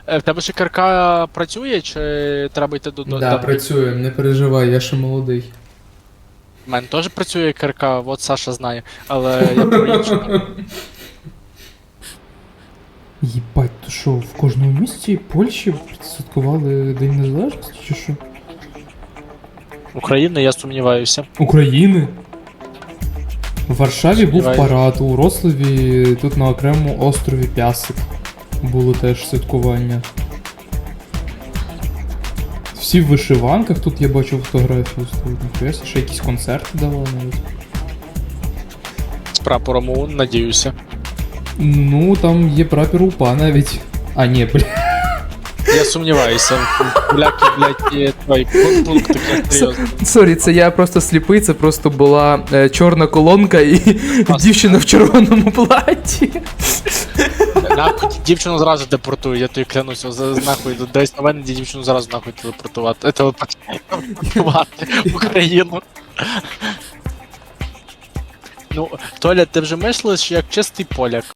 В тебе ще КРК працює, чи треба йти до... Да, працюємо, не переживай, я ще молодий. У мене теж працює КРК, от Саша знає, але я про інше. Єбать, то що, в кожному місті Польщі святкували День Незалежності чи що? України, я сумніваюся. України? В Варшаві був Сумніваюся. парад, у Рославі, тут на окремому острові Пясик було теж святкування. Всі в вишиванках, тут я бачу фотографію стоїть. Ніхуя, ще якісь концерти давали навіть. З прапором ОУН, надіюся. Ну, там є прапор УПА навіть. А, ні, бля. Я сумніваюся. Поляки, блядь, є твій пункт такий серйозний. Сорі, це я просто сліпий, це просто була чорна колонка і дівчина в червоному платі. Нахуй, дівчину зразу депортують, я тобі клянуся, нахуй, десь на мене дівчину зразу нахуй телепортувати в Україну. Ну, Толя, ти вже мислиш як чистий поляк.